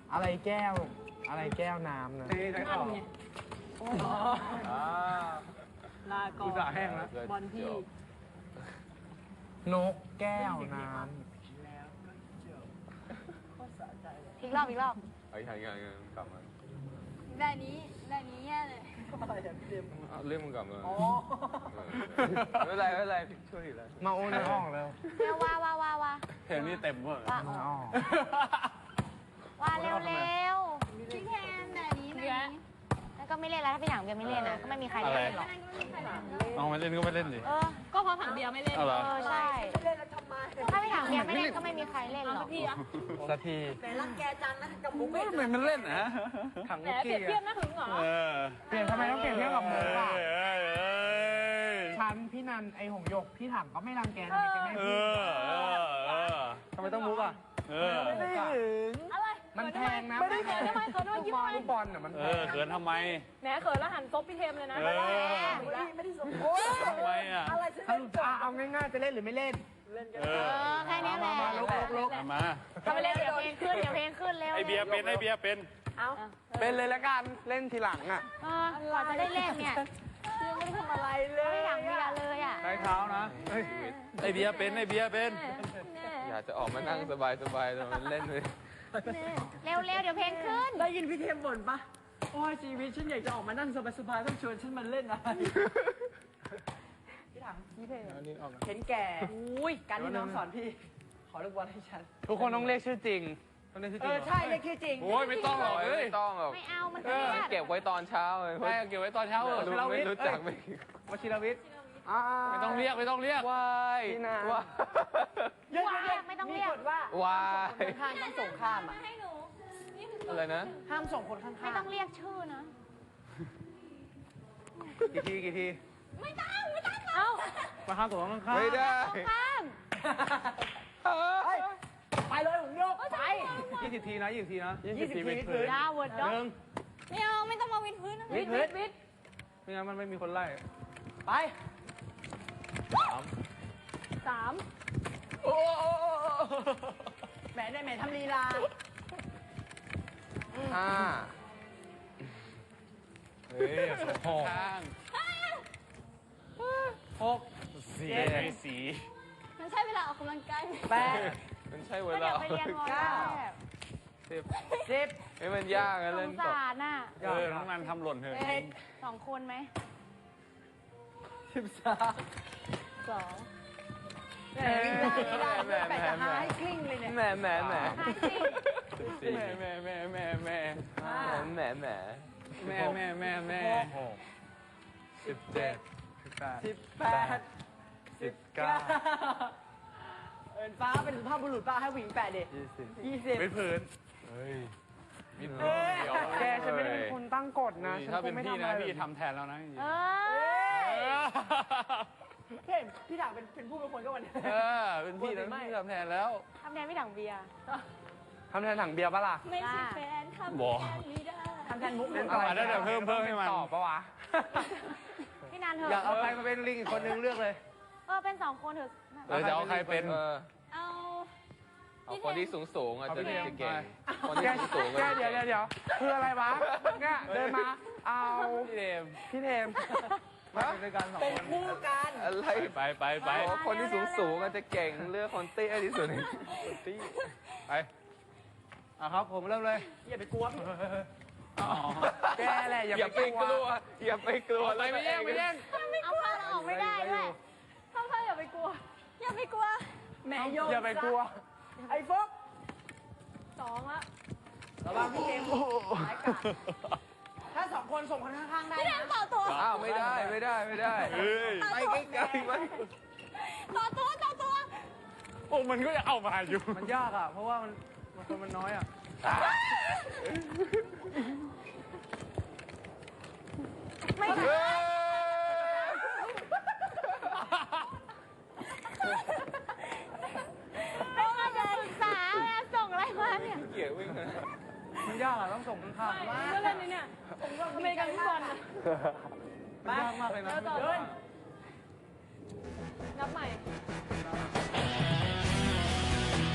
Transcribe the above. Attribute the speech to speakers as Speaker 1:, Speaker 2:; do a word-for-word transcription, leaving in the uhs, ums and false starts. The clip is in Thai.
Speaker 1: อะไรแก้วอะไรแก้วน้ำนะ
Speaker 2: นั่นไงลาก่อน
Speaker 3: กูจะแห้งแล้ว
Speaker 2: บอลพี่
Speaker 1: นกแก้วน้
Speaker 4: อีกรอบอีกรอบ
Speaker 5: ไอ้ยังยังยังกลับมา
Speaker 4: แบบนี้แบบนี้แย่เลย
Speaker 5: เอาเรื่องมึงกลับมาไม่เป็นไรไม่เป็นไรช่วยอีกแล้ว
Speaker 1: ำมาโอ้ในห้องแล้ว
Speaker 4: เร็วว่าว่าว่าว่า
Speaker 3: เพลงนี้เต็มเวอร์
Speaker 4: ว่า
Speaker 1: มาอ้อ
Speaker 4: ว่าเร็วเร็วพี่แทนแบบนี้แบบนี้แล้วก็ไม่เล่นแล้วถ้าพี่หนังเบียร์ไม่เล่นอ่ะก็ไม่มีใครเล่นหรอก
Speaker 3: เอาไม่เล่นก็ไม่เล่นดิ
Speaker 4: เออ
Speaker 2: ก็เพราะถังเบียร์ไม่เล่น
Speaker 3: เอาเหรอ
Speaker 4: เออใช่ถ้าพี่หนังเบียร์ไม่เล่นก็ไม่มีใครเล่นหรอก
Speaker 2: พี่อะ
Speaker 1: สักที
Speaker 3: ทำไมมันเล่นนะ
Speaker 1: ถัง
Speaker 2: แหม
Speaker 1: มุก
Speaker 2: เปรี
Speaker 1: กี้
Speaker 2: ยบเทียบนะหึงเหรอ
Speaker 3: เออ
Speaker 1: เปลี่ยนทำไมต้องเปลี่ยนเทียบกับมุกอ่ะ
Speaker 3: เอ้ยเอ้ยเอ้ย
Speaker 1: ฉันพี่นันไอหงหยกพี่ถังก็ไม่รังแกทำไมแกไม่
Speaker 3: เอ
Speaker 1: พูด
Speaker 3: อเออเออ
Speaker 1: ทำไมต้องมุกอ่ะ
Speaker 3: เออ
Speaker 1: ไม่ได้ถึง
Speaker 2: อะไร
Speaker 1: มันแพงนะ
Speaker 2: ไม่ได้เขินทำไมเขินทำไม
Speaker 1: ลูก
Speaker 2: ยิ้ม
Speaker 1: บอ
Speaker 2: ทำ
Speaker 1: ล
Speaker 2: ไม
Speaker 1: ลูกบอลน่ะมัน
Speaker 3: เออเขินทำไม
Speaker 2: แหมเขินแล้วหันซบพี่เทมเลยนะ
Speaker 3: เออ
Speaker 2: ไม่ได้สม
Speaker 3: ทำไมอ่ะ
Speaker 1: สรุปจะเอาง่ายๆจะเล่นหรือไม่เล่น
Speaker 3: เอ
Speaker 4: เอ
Speaker 3: อ
Speaker 4: อแค่นี้แหละ
Speaker 1: มาลุกลุกลุก
Speaker 3: เอามา
Speaker 4: ทำไปเล่นเดี๋ยวเพลงขึ้นเดี๋ยวเพลงขึ้นเร็ว
Speaker 3: ไอเบียร์เป็นไอเบียร์เป็น
Speaker 2: เอา
Speaker 1: เป็นเลยละกันเล่นทีหลังอ่ะ
Speaker 4: เออกว่าจะได้เล่นเนี่ย
Speaker 2: ยังไม่ทำอะไรเล
Speaker 4: ไม่
Speaker 2: ย
Speaker 4: หนังเบียร์เลยอ่ะ
Speaker 3: ใช้เท้านะไอเบียร์เป็นไอเบียร์เป็น
Speaker 5: อยากจะออกมานั่งสบายสบายแต่มันเล่นเลย
Speaker 4: เร็วเร็วเดี๋ยวเพลงขึ้น
Speaker 2: ได้ยินพี่เทมบ่นปะโอ้ยชีวิตฉันอยากจะออกมานั่งสบายๆต้องชวนฉันมาเล่นอะไรพี่ถังพี่เทมเห็นแก่อุ้ยการที่น้องสอนพี่ ขอลูกบอลให้ฉัน
Speaker 1: ทุกคนต้องเรียกชื่อจริงต้องเรียกชื่อ
Speaker 2: เอ
Speaker 1: จริง
Speaker 2: อใช่เรียกชื่อจริง
Speaker 3: โอ้ยไม่ต้องหรอกเอ้ย
Speaker 5: ไม่ต้องหรอก
Speaker 4: ไม่เอามันเค
Speaker 5: เอ
Speaker 4: รี
Speaker 5: อย
Speaker 4: ด
Speaker 5: เก็บไว้ตอนเช้าเลย
Speaker 3: ใช่เก็บไว้ตอนเช้าเออ
Speaker 5: รู้ไม่รู้จักไม่
Speaker 1: วชิรวิทย์อ่า
Speaker 3: ไม่ต้องเรียกไม่ต้องเรียก
Speaker 5: วาย
Speaker 1: พี่นา
Speaker 5: วาย
Speaker 2: เยอะ
Speaker 4: ไม่ไม่ต้องเรียก
Speaker 2: มีกฎว่าว
Speaker 5: าย
Speaker 2: ข้างต้องส่งข้ามอ่ะ
Speaker 5: อะไรนะ
Speaker 2: ห้ามส่งคนข้างๆ
Speaker 4: ไม่ต้องเรียกชื่อนะ
Speaker 1: กี่ทีกี่ที
Speaker 4: ไม่ต้องไม่ต้องเอ้า
Speaker 1: มาข้างตัวข้าง
Speaker 5: ไม่ได้
Speaker 4: ข้าม
Speaker 2: เฮ้ยไปเลยผมโยกไป
Speaker 1: ยี่สิบทีนะยี่สิบทีนะ
Speaker 2: ยี่สิบทีวิดพื้น
Speaker 4: ดาวเวิร์ดด็อก
Speaker 1: หนึ่ง
Speaker 4: ไม่เอาไม่ต้องมาวินพื้นนะ
Speaker 2: วิดวิดวิด
Speaker 1: ไม่งั้นมันไม่มีคนไล่
Speaker 2: ไปสาม
Speaker 1: โอ้
Speaker 2: แหมได้แหมทำลีลา
Speaker 1: ห้าเฮ้ยหก
Speaker 3: ข้าง
Speaker 1: หก
Speaker 3: สีสี
Speaker 4: มันใช่เวลาออกกำลังกายไหม
Speaker 2: แปด
Speaker 5: มันใช่เว
Speaker 4: ก็
Speaker 5: ลา
Speaker 4: เดี๋ยวไปเรียนมอ
Speaker 2: เก้า
Speaker 5: สิบ
Speaker 2: สิบ
Speaker 5: เฮ้ยมันยากอะ
Speaker 4: ส
Speaker 5: เล่น
Speaker 4: ง
Speaker 5: ตบ
Speaker 4: สารน่ะ
Speaker 3: เออน้องนันทำหล่นเถอะ
Speaker 2: เอ็ด
Speaker 4: สองคนไหม
Speaker 2: สิบสาม
Speaker 4: สอง
Speaker 2: แหมลีลาลีลาเพื่อนแปดจะหาให้กลิ้งเลยเนี่ย
Speaker 5: แหมแหมแหม
Speaker 4: ห้าสิบ
Speaker 3: แม่แม่แม่แม่แม่
Speaker 5: แหมแหม
Speaker 3: แม่แม่แม่แม่
Speaker 1: หกสิบเจ็ดสิบแปด
Speaker 2: สิบแปดสิบเก้าเอินฟ้าเป็นสุภาพบุรุษป้าให้ผู้หญิงแปดเด็ด
Speaker 5: ยี่สิบ
Speaker 2: ยี่สิบ
Speaker 3: เป็นผืน
Speaker 1: เฮ้ย
Speaker 3: นิด
Speaker 2: เอ้ย
Speaker 3: เดียว
Speaker 1: แกฉันไม่ได้เป็นคนตั้งกฎนะฉัน
Speaker 3: ถ้า
Speaker 1: ค
Speaker 3: เป็น
Speaker 1: งไม่
Speaker 3: พี่
Speaker 1: ทำอะ
Speaker 3: นะ
Speaker 1: ไร
Speaker 3: พี่ทำแทนแล้วนะจริง
Speaker 4: เอ
Speaker 2: เอ้
Speaker 4: อย
Speaker 2: เห็นพี่ถามเป็นเป็นผู้เป็นคนก็วันนี้
Speaker 3: เออเป็นพี่นะพี่ทำแทนแล้ว
Speaker 4: ทำแทนพี่ถังเบียร์
Speaker 1: ทำแทนถังเบียร์ปะล่ะ
Speaker 4: ไม่ใช่แฟนทำ
Speaker 3: บอก
Speaker 2: ทำแทนมุก
Speaker 1: เล่น
Speaker 3: อา ได้เดี๋ยวเพิ่มเพิ่มให้มัน
Speaker 1: ตอบปะวะ
Speaker 4: พี่นันเถ
Speaker 1: อยาก
Speaker 4: อะ
Speaker 1: เอาใครมาเป็นลิงอีกคนนึงเลือกเลย
Speaker 4: เออเป็นสองคนเถอะ
Speaker 3: เออจะเอาใครเป็น
Speaker 5: เออ
Speaker 4: เอา
Speaker 5: เอาคนที่สูงสูงๆอาจจะ
Speaker 1: เอาพี่เทม
Speaker 5: จะเก่งคน
Speaker 1: แก
Speaker 5: ที่สูงสูง
Speaker 1: แกเดี๋ยวเดี๋ยวเดี๋ยวคืออะไรวะเนี่ยเดินมา เอา
Speaker 3: พี่เดม
Speaker 1: พี่เทมมาเป็นด้วยกันสอง
Speaker 2: เป็น
Speaker 1: คน
Speaker 2: คู่กัน
Speaker 5: อะไร
Speaker 3: ไปไปไป
Speaker 5: บอกว่าคนที่สูงสูงๆอาจจะเก่งเลือกคนเตี้ยที่สุดคนเตี้ย
Speaker 3: ไป
Speaker 1: อ่ะครับผมเริ่มเลย
Speaker 2: อย่าไปกลัวพี่
Speaker 3: อ๋อ
Speaker 1: แกแหละอย่า
Speaker 5: อย่า
Speaker 1: ไป
Speaker 5: ไป
Speaker 1: ก
Speaker 5: ก
Speaker 1: ลั
Speaker 5: ลั
Speaker 1: ว
Speaker 5: วอย่าไปกลัว
Speaker 3: ไปไม่แย่งไม่แย่ง
Speaker 4: เอาผ้าเราออกไม่ได้ด้วยเข้าผ้าอย่าไปกลัว อย่าไปกลัว
Speaker 2: แหมโยน
Speaker 1: อย่าไปกลัว
Speaker 2: ไอ้ฟุ๊ก
Speaker 4: สองละ
Speaker 2: ระวังพี่เกมร้ายกาจถ้าสองคนส่งคนข้างๆได้
Speaker 4: พี่แด
Speaker 2: นะ
Speaker 4: งต่อตัว
Speaker 5: อ้าวไม่ได้ไม่ได้ไม่ได้
Speaker 3: เฮ้ย
Speaker 5: ไปใกล้ๆมัน
Speaker 4: ต่อตัวต่อตัว
Speaker 3: โอ้มันก็จะเอามาอยู่
Speaker 1: มันยากอ่ะ เพราะว่ามันมันคนมันน้อยอ่ะ
Speaker 4: ไม่
Speaker 5: เฮ้ย
Speaker 4: ไม่มาเดินศึกษาแล้วส่งอะไรมาเนี่ย
Speaker 5: เกี่ยววิ่งนะ
Speaker 1: มันยากอ่ะต้องส่งข้างๆ
Speaker 2: มาก็เล่นนี่เนี่ยอเมริกันฟุตบอลนะ
Speaker 1: มันยากมากเลยนะ
Speaker 2: เดินนับใหม่